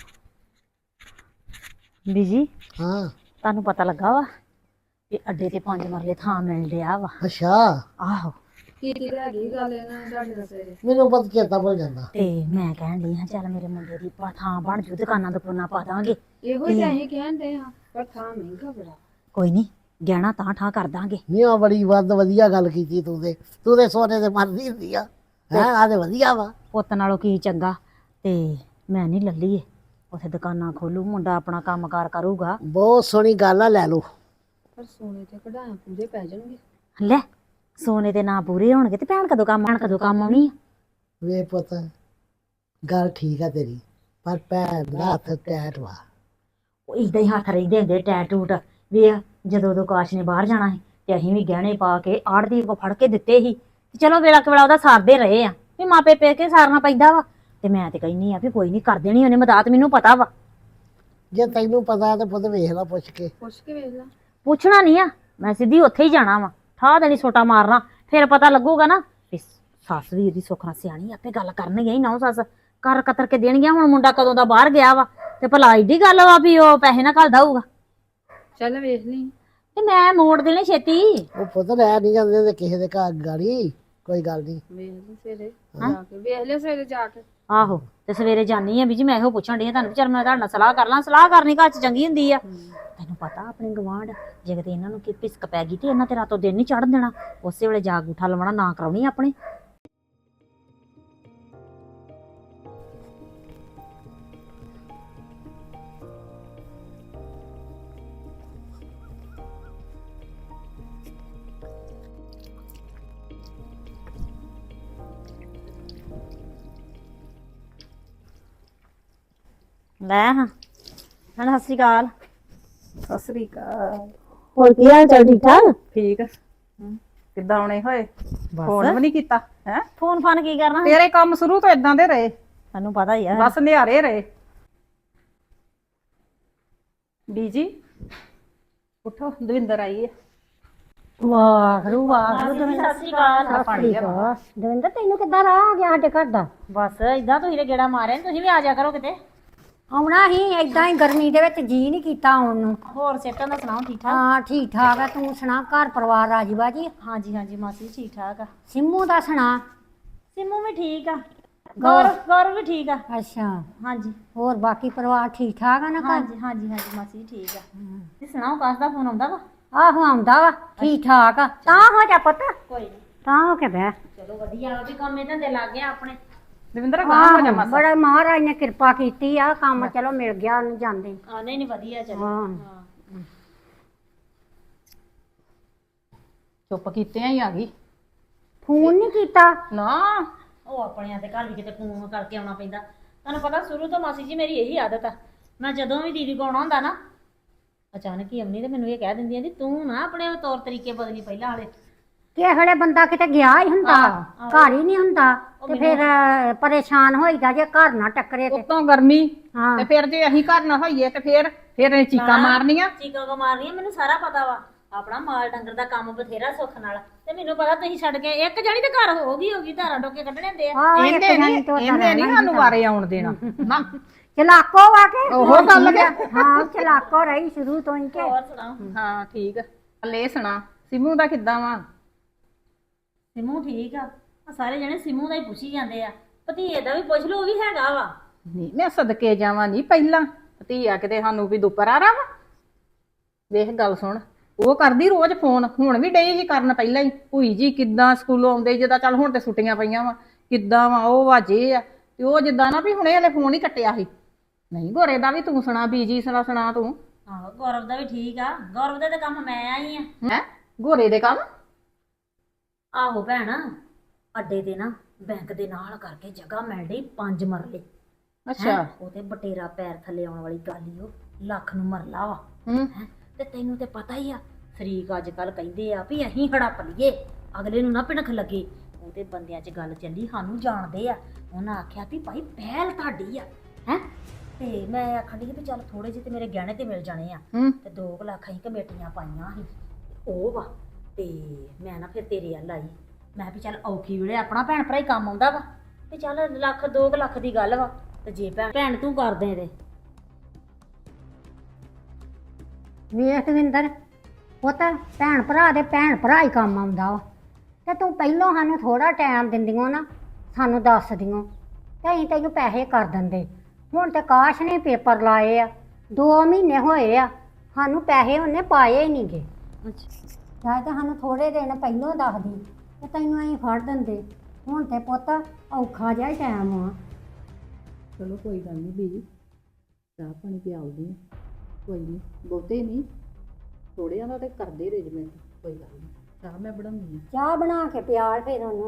Speaker 3: ਬੀਜੀ
Speaker 5: ਹਾਂ
Speaker 3: ਤੁਹਾਨੂੰ ਪਤਾ ਲੱਗਾ ਵਾ ਕਿ ਅੱਡੇ ਤੇ 5 ਮਰਲੇ ਥਾਂ ਮਿਲ ਰਿਹਾ ਵਾ।
Speaker 5: ਅੱਛਾ,
Speaker 3: ਆਹੋ
Speaker 6: ਕੀ ਹੈਗੀ ਗੱਲ ਇਹਨਾਂ ਤੁਹਾਡੇ ਨਾਲ ਸਵੇਰੇ?
Speaker 5: ਮੈਨੂੰ ਪਤਾ ਚੇਤਾ ਭੁੱਲ ਜਾਂਦਾ।
Speaker 3: ਤੇ ਮੈਂ ਕਹਿਣ ਡਈ ਹਾਂ ਚੱਲ ਮੇਰੇ ਮੁੰਡੇ ਦੀ ਥਾਂ ਬਣ ਜੂ, ਦੁਕਾਨਾਂ ਦੁਕਾਨਾਂ ਪਾ ਦਾਂਗੇ।
Speaker 6: ਇਹੋ ਹੀ ਤਾਂ ਅਸੀਂ ਕਹਿੰਦੇ ਆ, ਪਰ ਥਾਂ ਮਹਿੰਗਾ ਬੜਾ।
Speaker 3: ਕੋਈ ਨਹੀਂ ਗਹਿਣਾ ਤਾਂ ਠਾਂ ਕਰ ਦਾਂਗੇ।
Speaker 5: ਨਹੀਂ ਆ ਬੜੀ ਵਧੀਆ ਗੱਲ ਕੀਤੀ ਤੂੰ ਤੇ ਸੋਨੇ ਦੇ ਮਰਦੀ ਹੁੰਦੀ ਆ। ਹੈ ਆ ਤੇ ਵਧੀਆ ਵਾ।
Speaker 3: ਪੁੱਤ ਨਾਲੋਂ ਕੀ ਚੰਗਾ। ਤੇ ਮੈਂ ਨਹੀਂ ਲੱਲੀਏ, ਉੱਥੇ ਦੁਕਾਨਾਂ ਖੋਲੂ, ਮੁੰਡਾ ਆਪਣਾ ਕੰਮਕਾਰ ਕਰੂਗਾ।
Speaker 5: ਬਹੁਤ ਸੋਹਣੀ ਗੱਲ ਆ, ਲੈ ਲਓ।
Speaker 6: ਪਰ ਸੋਨੇ ਤੇ ਕਢਾਇਆ ਪੂਰੇ ਪੈ ਜਾਣਗੇ।
Speaker 3: ਲੈ ਸੋਨੇ ਦੇ ਨਾਂ ਪੂਰੇ ਹੋਣਗੇ ਤੇ ਭੈਣ ਕਦੋਂ ਕੰਮ ਆਉਣੀ ਆ।
Speaker 5: ਵੇ ਪੁੱਤ ਗੱਲ ਠੀਕ ਆ ਤੇਰੀ, ਪਰ ਭੈਣ ਦਾ ਹੱਥ ਟੈਟ ਵਾ।
Speaker 3: ਉਹ ਇਦਾਂ ਹੀ ਹੱਥ ਰਹਿੰਦੇ ਹੁੰਦੇ ਟੈਟੂਟ ਵੇ। ਜਦੋਂ ਉਦੋਂ ਕਾਸ਼ ਨੇ ਬਾਹਰ ਜਾਣਾ ਸੀ ਤੇ ਅਸੀਂ ਵੀ ਗਹਿਣੇ ਪਾ ਕੇ ਆੜ੍ਹਦੀ ਕੋ ਫੜ ਕੇ ਦਿੱਤੇ ਸੀ। ਤੇ ਚਲੋ ਵੇਲਾ ਕੁ ਵੇਲਾ ਉਹਦਾ ਸਾਰਦੇ ਰਹੇ ਆ ਵੀ ਮਾਪੇ ਪੇ ਕੇ ਸਾਰਨਾ ਪੈਂਦਾ ਵਾ। ਤੇ ਮੈਂ ਤੇ ਕਹਿੰਦੀ ਆ ਵੀ ਕੋਈ ਨਹੀਂ ਕਰ ਦੇਣੀ ਉਹਨੇ ਮਦਦ, ਮੈਨੂੰ ਪਤਾ ਵਾ।
Speaker 5: ਜੇ ਤੈਨੂੰ ਪਤਾ ਤੇ ਪੁੱਤ ਵੇਖ ਲਾ ਪੁੱਛ ਕੇ
Speaker 6: ਵੇਖ ਲਾ।
Speaker 3: ਪੁੱਛਣਾ ਨਹੀਂ ਆ, ਮੈਂ ਸਿੱਧੀ ਉੱਥੇ ਹੀ ਜਾਣਾ ਵਾ, ਠਾਹ ਦੇਣੀ ਛੋਟਾ ਮਾਰਨਾ, ਫਿਰ ਪਤਾ ਲੱਗੂਗਾ ਨਾ ਵੀ ਸੱਸ ਵੀ ਇਹਦੀ ਸੁੱਖ ਨਾਲ ਸਿਆਣੀ, ਆਪੇ ਗੱਲ ਕਰਨਗੇ ਹੀ ਨਾ ਸੱਸ ਕਰ ਕਤਰ ਕੇ ਦੇਣਗੀਆਂ। ਹੁਣ ਮੁੰਡਾ ਕਦੋਂ ਦਾ ਬਾਹਰ ਗਿਆ ਵਾ ਤੇ ਭਲਾ ਏਡੀ ਗੱਲ ਵਾ ਵੀ ਉਹ ਪੈਸੇ ਨਾ ਘੱਲਦਾ ਹੋਊਗਾ।
Speaker 6: ਚੱਲ ਵੇਖ ਲਈ।
Speaker 3: ਤੇ ਮੈਂ ਮੋੜ ਦੇਣੇ ਛੇਤੀ।
Speaker 5: ਉਹ ਪੁੱਤ ਲੈ ਨਹੀਂ ਜਾਂਦੇ ਤੇ ਕਿਸੇ ਦੇ ਘਰ ਗਾੜੀ, ਕੋਈ ਗੱਲ ਨਹੀਂ।
Speaker 6: ਵੇਖ ਲਈ ਸਵੇਰੇ ਜਾ ਕੇ, ਵੇਖ ਲਿਓ ਸਵੇਰੇ ਜਾ ਕੇ।
Speaker 3: ਆਹੋ ਤੇ ਸਵੇਰੇ ਜਾਨੀ ਆ ਵੀ ਜੀ, ਮੈਂ ਇਹੋ ਪੁੱਛਣ ਡਈ ਆ ਤੁਹਾਨੂੰ, ਚੱਲ ਮੈਂ ਤੁਹਾਡੇ ਨਾਲ ਸਲਾਹ ਕਰ ਲਾਂ। ਸਲਾਹ ਕਰਨੀ ਘਰ ਚ ਚੰਗੀ ਹੁੰਦੀ ਆ। ਤੈਨੂੰ ਪਤਾ ਆਪਣੇ ਗਵਾਂਢ ਜੇ ਕਿਤੇ ਇਹਨਾਂ ਨੂੰ ਕੀ ਪਿਸਕ ਪੈ ਗਈ ਤੇ ਇਹਨਾਂ ਤੇ ਰਾਤੋਂ ਦਿਨ ਨਹੀਂ ਚੜ੍ਹਨ ਦੇਣਾ, ਉਸੇ ਵੇਲੇ ਜਾ ਗੂਠਾ ਲਵਾਉਣਾ, ਨਾ ਕਰਾਉਣੀ ਆਪਣੇ। ਲੈ ਹਾਂ ਸਤਿ ਸ਼੍ਰੀ ਅਕਾਲ।
Speaker 7: ਸਤਿ ਸ੍ਰੀ ਅਕਾਲ।
Speaker 3: ਹੋਰ ਕੀ ਹਾਲ ਚਾਲ, ਠੀਕ ਠਾਕ?
Speaker 7: ਠੀਕ ਕਿੱਦਾਂ ਆਉਣੇ ਹੋਏ? ਫੋਨ ਵੀ ਨਹੀਂ ਕੀਤਾ ਹੈ?
Speaker 3: ਫੋਨ ਫਾਨ ਕੀ ਕਰਨਾ,
Speaker 7: ਤੇਰੇ ਕੰਮ ਸ਼ੁਰੂ ਤੋਂ ਇਦਾਂ ਦੇ ਰਹੇ,
Speaker 3: ਤੈਨੂੰ ਪਤਾ ਹੀ ਆ।
Speaker 7: ਬਸ ਨਿਆਰੇ ਰਹੇ। ਬੀਜੀ ਉਠੋ, ਦਵਿੰਦਰ ਆਈ ਹੈ।
Speaker 3: ਵਾਹਿਗੁਰੂ ਵਾਹਿਗੁਰੂ। ਦਵਿੰਦਰ ਸਤਿ ਸ਼੍ਰੀ ਅਕਾਲ।
Speaker 8: ਦਵਿੰਦਰ ਤੈਨੂੰ ਕਿੱਦਾਂ ਰਾਹ ਆ ਗਿਆ ਸਾਡੇ ਘਰ ਦਾ?
Speaker 3: ਬਸ ਇਦਾਂ ਤੁਸੀਂ ਤੇ ਗੇੜਾ ਮਾਰਿਆ ਨੀ, ਤੁਸੀਂ ਵੀ ਆ ਜਾ ਕਰੋ ਕਿਤੇ।
Speaker 8: ਆਉਣਾ ਹੀ ਏਦਾਂ ਹੀ ਗਰਮੀ ਦੇ ਵਿੱਚ ਜੀ ਨਹੀਂ ਕੀਤਾ ਆਉਣ ਨੂੰ।
Speaker 3: ਹੋਰ ਸਿਹਤਾਂ ਦਾ ਸੁਣਾਓ, ਠੀਕ ਠਾਕ?
Speaker 8: ਹਾਂ ਠੀਕ ਠਾਕ ਆ, ਤੂੰ ਸੁਣਾ ਘਰ ਪਰਿਵਾਰ ਰਾਜੀ ਬਾਜੀ?
Speaker 3: ਹਾਂਜੀ ਹਾਂਜੀ ਮਾਸੀ ਠੀਕ ਠਾਕ ਆ।
Speaker 8: ਸਿੰਮੂ ਦਾ ਸੁਣਾ?
Speaker 3: ਸਿੰਮੂ ਵੀ ਠੀਕ ਆ, ਗੌਰਵ ਵੀ ਠੀਕ ਆ।
Speaker 8: ਅੱਛਾ,
Speaker 3: ਹਾਂਜੀ
Speaker 8: ਹੋਰ ਬਾਕੀ ਪਰਿਵਾਰ ਠੀਕ ਠਾਕ ਆ ਨਾ ਘਰ?
Speaker 3: ਹਾਂਜੀ ਹਾਂਜੀ ਹਾਂਜੀ ਮਾਸੀ ਠੀਕ ਆ। ਤੁਸੀਂ ਸੁਣਾਓ, ਕਾਸ ਦਾ ਫੋਨ ਆਉਂਦਾ ਵਾ?
Speaker 8: ਆਹੋ ਆਉਂਦਾ ਵਾ, ਠੀਕ ਠਾਕ ਆ। ਤਾਂ ਹੋ ਜਾ ਪੁੱਤ,
Speaker 3: ਕੋਈ ਨਹੀਂ,
Speaker 8: ਤਾਂ ਹੋ ਕੇ ਬਹਿ।
Speaker 3: ਚਲੋ ਵਧੀਆ ਵੀ ਕੰਮ ਇਹਨਾਂ ਦੇ ਲੱਗ ਗਿਆ ਆਪਣੇ।
Speaker 7: ਦਵਿੰਦਰ ਗਾਂ ਹੋ ਜਾ
Speaker 8: ਆਹੋ,
Speaker 7: ਮਾਸਾ।
Speaker 8: ਬੜਾ ਮਹਾਰਾਜ ਨੇ ਕਿਰਪਾ ਕੀਤੀ ਆ, ਕੰਮ ਚਲੋ ਮਿਲ ਗਿਆ ਉਹਨੂੰ ਜਾਂਦੇ।
Speaker 3: ਨਹੀਂ ਨਹੀਂ ਵਧੀਆ ਚਲੋ।
Speaker 8: ਹਾਂ
Speaker 7: ਚੁੱਪ ਕੀਤੇ ਹੀ ਆ ਗਈ।
Speaker 8: ਫੋਨ ਨਹੀਂ ਕੀਤਾ?
Speaker 7: ਨਾ
Speaker 3: ਉਹ ਆਪਣਿਆਂ ਦੇ ਘਰ ਵੀ ਕਿਤੇ ਫੋਨ ਕਰਕੇ ਆਉਣਾ ਪੈਂਦਾ। ਤੁਹਾਨੂੰ ਪਤਾ ਸ਼ੁਰੂ ਤੋਂ ਮਾਸੀ ਜੀ ਮੇਰੀ ਇਹੀ ਆਦਤ ਆ, ਮੈਂ ਜਦੋਂ ਵੀ ਦੀਦੀ ਕੋਲ ਆਉਣਾ ਹੁੰਦਾ ਨਾ ਅਚਾਨਕ ਹੀ ਅਮਨੀ ਤੇ ਮੈਨੂੰ ਇਹ ਕਹਿ ਦਿੰਦੀ ਆ ਕਿ ਤੂੰ ਨਾ ਆਪਣੇ ਤੌਰ ਤਰੀਕੇ ਬਦਲੀ ਪਹਿਲਾਂ ਵਾਲੇ।
Speaker 8: ਕਿਸੇ ਵੇਲੇ ਬੰਦਾ ਕਿਤੇ ਗਿਆ ਹੀ ਹੁੰਦਾ, ਘਰ ਹੀ ਨਹੀਂ ਹੁੰਦਾ, ਤੇ ਫਿਰ ਪਰੇਸ਼ਾਨ ਹੋਈਦਾ ਜੇ ਘਰ ਨਾ ਟੱਕਰੇ ਤੇ।
Speaker 7: ਉਤੋਂ ਗਰਮੀ
Speaker 8: ਹਾਂ
Speaker 7: ਤੇ ਫਿਰ ਜੇ ਅਸੀਂ ਘਰ ਨਾ ਹੋਈਏ ਤੇ ਫਿਰ ਇਹ ਚੀਕਾਂ ਮਾਰਨੀਆਂ।
Speaker 3: ਚੀਕਾਂ ਕੋ ਮਾਰਨੀਆਂ, ਮੈਨੂੰ ਸਾਰਾ ਪਤਾ ਵਾ। ਆਪਣਾ ਮਾਲ ਡੰਗਰ ਦਾ ਕੰਮ ਬਥੇਰਾ ਸੁੱਖ ਨਾਲ, ਤੇ ਮੈਨੂੰ ਪਤਾ ਤੁਸੀਂ ਛੱਡ ਕੇ ਇੱਕ ਜਣੀ ਤੇ ਘਰ ਹੋਗੀ ਧਾਰਾਂ ਟੋਕੇ ਕੱਢਣੇ ਹੁੰਦੇ ਆ।
Speaker 8: ਆਹ, ਇੱਕ
Speaker 7: ਇਹਨੇ
Speaker 8: ਜਣੀ ਤੋਂ
Speaker 7: ਇਹਨੇ ਨਹੀਂ ਸਾਨੂੰ ਵਾਰੇ ਆਉਣ ਦੇਣਾ ਨਾ।
Speaker 8: ਚਲਾਕੋ ਆ ਕੇ
Speaker 7: ਉਹ ਗੱਲ ਕਿ
Speaker 8: ਹਾਂ ਚਲਾਕੋ ਰਹੀ ਸ਼ੁਰੂ ਤੋਂ ਹੀ ਕੇ।
Speaker 3: ਹੋਰ ਸੁਣਾਓ?
Speaker 7: ਹਾਂ ਠੀਕ। ਲੈ ਸੁਣਾ ਸਿਮੂ ਦਾ ਕਿੱਦਾਂ ਵਾ?
Speaker 3: ਸਿਮੂ ਠੀਕ ਆ। ਆਹ ਸਾਰੇ ਜਣੇ ਸਿਮੂ ਦਾ ਹੀ ਪੁੱਛੀ ਜਾਂਦੇ ਆ, ਭਤੀਏ ਦਾ ਵੀ ਪੁੱਛ ਲਓ, ਉਹ ਵੀ ਹੈਗਾ ਵਾ।
Speaker 7: ਨਹੀਂ ਮੈਂ ਸਦਕੇ ਜਾਵਾਂ ਨਹੀਂ ਪਹਿਲਾਂ ਧੀਆ ਕਿਤੇ ਸਾਨੂੰ ਵੀ ਦੁੱਪਰ ਆ ਵਾ। ਵੇਖ ਗੱਲ ਸੁਣ, ਉਹ ਕਰਦੀ ਰੋਜ਼ ਫੋਨ, ਹੁਣ ਵੀ ਡਈ ਜੀ ਕਰਨ ਪਹਿਲਾਂ ਹੀ। ਭੂਈ ਜੀ ਕਿੱਦਾਂ ਸਕੂਲੋਂ ਆਉਂਦੇ, ਜਿੱਦਾਂ ਚੱਲ ਹੁਣ ਤੇ ਛੁੱਟੀਆਂ ਪਈਆਂ ਵਾ, ਕਿੱਦਾਂ ਵਾ ਉਹ ਵਾਜੇ ਆ, ਤੇ ਉਹ ਜਿੱਦਾਂ ਨਾ ਵੀ ਹੁਣੇ ਹਲੇ ਫੋਨ ਹੀ ਕੱਟਿਆ ਸੀ। ਨਹੀਂ ਗੋਰੇ ਦਾ ਵੀ ਤੂੰ ਸੁਣਾ, ਬੀਜੀ ਸੁਣਾ ਤੂੰ।
Speaker 3: ਆਹੋ ਗੌਰਵ ਦਾ ਵੀ ਠੀਕ ਆ। ਗੌਰਵ ਦੇ ਤੇ ਕੰਮ ਮੈਂ ਆਈ ਆ।
Speaker 7: ਹੈ ਗੋਰੇ ਦੇ ਕੰਮ?
Speaker 3: ਆਹੋ ਭੈਣ, ਅੱਡੇ ਤੇ ਨਾ ਬੈਂਕ ਦੇ ਨਾਲ ਕਰਕੇ ਜਗ੍ਹਾ ਮਿਲ ਰਹੀ 5 ਮਰਲੇ।
Speaker 7: ਅੱਛਾ।
Speaker 3: ਉਹ ਤੇ ਬਟੇਰਾ ਪੈਰ ਥੱਲੇ ਆਉਣ ਵਾਲੀ ਗੱਲ ਹੀ, ਉਹ ਲੱਖ ਨੂੰ ਮਰਲਾ ਵਾ।
Speaker 7: ਹੂੰ।
Speaker 3: ਤੇ ਤੈਨੂੰ ਤੇ ਪਤਾ ਹੀ ਆ, ਸ਼ਰੀਕ ਅੱਜ ਕੱਲ ਕਹਿੰਦੇ ਆ ਵੀ ਅਸੀਂ ਹੜੱਪ ਲਈਏ, ਅਗਲੇ ਨੂੰ ਨਾ ਭਿਣਖ ਲੱਗੇ। ਉਹਦੇ ਬੰਦਿਆਂ 'ਚ ਗੱਲ ਚੱਲੀ, ਸਾਨੂੰ ਜਾਣਦੇ ਆ। ਉਹਨਾਂ ਆਖਿਆ ਵੀ ਭਾਈ ਪਹਿਲ ਤੁਹਾਡੀ ਆ ਹੈ। ਤੇ ਮੈਂ ਆਖਣ ਡਈ ਵੀ ਚੱਲ ਥੋੜੇ ਜਿਹੇ ਤੇ ਮੇਰੇ ਗਹਿਣੇ ਤੇ ਮਿਲ ਜਾਣੇ ਆ। ਤੇ 2 ਲੱਖ ਅਸੀਂ ਕਮੇਟੀਆਂ ਪਾਈਆਂ ਸੀ, ਉਹ ਵਾ। ਤੇ ਮੈਂ ਨਾ ਫਿਰ ਤੇਰੇ ਵੱਲ ਆਈ, ਮੈਂ ਵੀ ਚੱਲ ਔਖੀ ਵੇਲੇ ਆਪਣਾ ਭੈਣ ਭਰਾ ਹੀ ਕੰਮ ਆਉਂਦਾ ਵਾ। ਤੇ ਚੱਲ 2 ਲੱਖ ਦੀ ਗੱਲ ਵਾ, ਤੇ ਜੇ ਭੈਣ ਤੂੰ ਕਰਦੇ ਇਹਦੇ।
Speaker 8: ਵੇਖ ਦਵਿੰਦਰ, ਉਹ ਤਾਂ ਭੈਣ ਭਰਾ ਦੇ ਭੈਣ ਭਰਾ ਹੀ ਕੰਮ ਆਉਂਦਾ ਵਾ। ਤੇ ਤੂੰ ਪਹਿਲੋਂ ਸਾਨੂੰ ਥੋੜਾ ਟਾਈਮ ਦਿੰਦੀਆਂ ਨਾ, ਸਾਨੂੰ ਦੱਸ ਦਿਓ ਤੇ ਅਸੀਂ ਤੈਨੂੰ ਪੈਸੇ ਕਰ ਦਿੰਦੇ। ਹੁਣ ਤੇ ਕਾਸ਼ ਨੇ ਪੇਪਰ ਲਾਏ ਆ, 2 ਮਹੀਨੇ ਹੋਏ ਆ, ਸਾਨੂੰ ਪੈਸੇ ਉਹਨੇ ਪਾਏ ਹੀ ਨਹੀਂ ਗੇ। ਚਾਹੇ ਤਾਂ ਸਾਨੂੰ ਥੋੜੇ ਦਿਨ ਪਹਿਲੋਂ ਦੱਸਦੀ ਤੇ ਤੈਨੂੰ ਅਸੀਂ ਫੜ ਦਿੰਦੇ। ਹੁਣ ਤੇ ਪੁੱਤ ਔਖਾ ਜਿਹਾ ਟਾਈਮ ਆ।
Speaker 7: ਚਲੋ ਕੋਈ ਗੱਲ ਨਹੀਂ ਬੀਜੀ, ਚਾਹ ਪਾਣੀ ਪਿਆਉਦੀ ਆ, ਕੋਈ ਨਹੀਂ ਬਹੁਤੇ ਨਹੀਂ, ਥੋੜਿਆਂ ਦਾ ਤੇ ਕਰਦੇ ਅਰੇਂਜਮੈਂਟ, ਕੋਈ ਗੱਲ ਨਹੀਂ। ਚਾਹ ਮੈਂ ਬਣਾਉਂਦੀ ਆ।
Speaker 8: ਚਾਹ ਬਣਾ ਕੇ ਪਿਆਲ ਫਿਰ ਉਹਨੂੰ।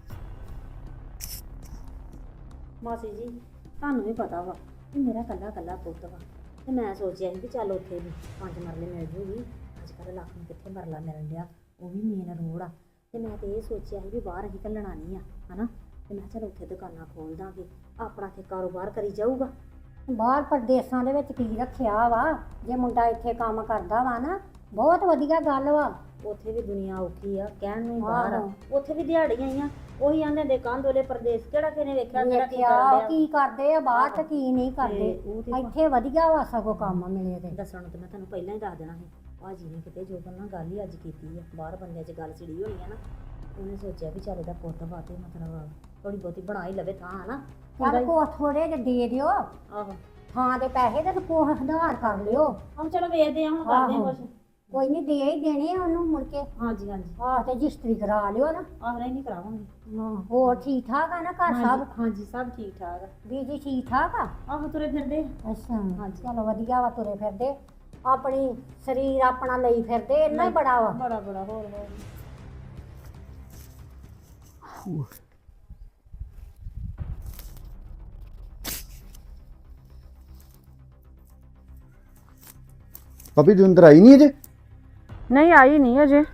Speaker 3: ਮਾਸੀ ਜੀ ਤੁਹਾਨੂੰ ਵੀ ਪਤਾ ਵਾ ਕਿ ਮੇਰਾ ਕੱਲਾ ਪੁੱਤ ਵਾ, ਤੇ ਮੈਂ ਸੋਚਿਆ ਸੀ ਵੀ ਚੱਲ ਉੱਥੇ ਵੀ 5 ਮਰਲੇ ਮਿਲ ਜੂਗੀ। ਅੱਜ ਕੱਲ੍ਹ ਲੱਖ ਨੂੰ ਕਿੱਥੇ ਮਰਲਾ ਮਿਲਣ ਡਿਆ, ਉਹ ਵੀ ਮੇਨ ਰੋਡ ਆ। ਤੇ ਮੈਂ ਤੇ ਇਹ ਸੋਚਿਆ ਸੀ ਵੀ ਬਾਹਰ ਅਸੀਂ ਘੱਲਣਾ ਨਹੀਂ ਆ, ਹਨਾ। ਤੇ ਮੈਂ ਚੱਲ ਉੱਥੇ ਦੁਕਾਨਾਂ ਖੋਲ ਦਾਂਗੇ, ਆਪਣਾ ਇੱਥੇ ਕਾਰੋਬਾਰ ਕਰੀ ਜਾਊਗਾ।
Speaker 8: ਬਾਹਰ ਪ੍ਰਦੇਸਾਂ ਦੇ ਵਿੱਚ ਕੀ ਰੱਖਿਆ ਵਾ, ਜੇ ਮੁੰਡਾ ਇੱਥੇ ਕੰਮ ਕਰਦਾ ਵਾ ਨਾ, ਬਹੁਤ ਵਧੀਆ ਗੱਲ ਵਾ।
Speaker 3: ਉੱਥੇ ਵੀ ਦੁਨੀਆ ਔਖੀ ਆ, ਕਹਿਣ ਨੂੰ ਹੀ ਬਾਹਰ ਆ। ਉੱਥੇ ਵੀ ਦਿਹਾੜੀਆਂ ਆਈਆਂ, ਉਹੀ ਆਂਦੇ ਦੇ ਕੰਧੋਲੇ ਪ੍ਰਦੇਸ਼, ਕਿਹੜਾ ਕਿਨੇ ਵੇਖਿਆ ਕਿਹੜਾ ਕੀ ਕਰਨ
Speaker 8: ਕੀ ਕਰਦੇ ਆ ਬਾਹਰ ਤੇ ਕੀ ਨਹੀਂ ਕਰਦੇ। ਇੱਥੇ ਵਧੀਆ ਵਾ, ਸਗੋਂ ਕੰਮ ਮਿਲੇ ਤੇ।
Speaker 3: ਦੱਸਣ ਤੇ ਮੈਂ ਤੁਹਾਨੂੰ ਪਹਿਲਾਂ ਹੀ ਦੱਸ ਦੇਣਾ ਸੀ। ਭਾਜੀ ਨੇ ਕਿਤੇ ਜੋਬਨ ਨਾਲ ਗੱਲ ਹੀ ਅੱਜ ਕੀਤੀ ਆ, ਬਾਹਰ ਬੰਦਿਆਂ 'ਚ ਗੱਲ ਛਿੜੀ ਹੋਣੀ ਆ ਨਾ। ਉਹਨੇ ਸੋਚਿਆ ਵੀ ਚੱਲ ਇਹਦਾ ਪੁੱਤ ਬਾਤੇ ਮਤਲਬ ਥੋੜੀ ਬਹੁਤੀ ਬਣਾ ਹੀ ਲਵੇ ਥਾਂ, ਹਨਾ।
Speaker 8: ਚੱਲ ਕੋ ਥੋੜੇ ਜਿਹੇ ਦੇ ਦਿਓ,
Speaker 3: ਆਹੋ
Speaker 8: ਥਾਂ ਦੇ ਪੈਸੇ ਤੇ ਕੋ ਸੁਧਾਰ ਕਰ ਲਿਓ।
Speaker 3: ਹੁਣ ਚਲੋ ਵੇਖਦੇ ਆ, ਹੁਣ ਕਰਦੇ ਆ ਕੁਛ।
Speaker 8: ਕੋਈ ਨਹੀਂ, ਦੇ ਹੀ ਦੇਣੇ ਆ ਉਹਨੂੰ ਮੁੜ ਕੇ।
Speaker 3: ਹਾਂਜੀ
Speaker 8: ਆਹ ਤੇ ਰਜਿਸਟਰੀ ਕਰਾ ਲਿਓ ਨਾ।
Speaker 3: ਆਹ ਨਹੀਂ ਕਰਾਵਾਂਗੇ।
Speaker 8: ਹੋਰ ਠੀਕ ਠਾਕ ਆ ਨਾ ਘਰ ਸਭ?
Speaker 3: ਹਾਂਜੀ ਸਭ ਠੀਕ ਠਾਕ ਆ।
Speaker 8: ਬੀਜੀ ਠੀਕ ਠਾਕ ਆ?
Speaker 3: ਆਹੋ ਤੁਰੇ ਫਿਰਦੇ।
Speaker 8: ਅੱਛਾ ਚਲੋ ਵਧੀਆ ਵਾ, ਤੁਰੇ ਫਿਰਦੇ, ਆਪਣੀ ਸਰੀਰ ਆਪਣਾ ਲਈ ਫਿਰਦੇ, ਇੰਨਾ ਹੀ ਬੜਾ ਵਾ।
Speaker 3: ਬੜਾ ਹੋਰ
Speaker 2: ਭਾਬੀ ਦਵਿੰਦਰ ਆਈ ਨਹੀਂ ਅਜੇ?
Speaker 6: ਨਹੀਂ ਆਈ ਨਹੀਂ ਅਜੇ।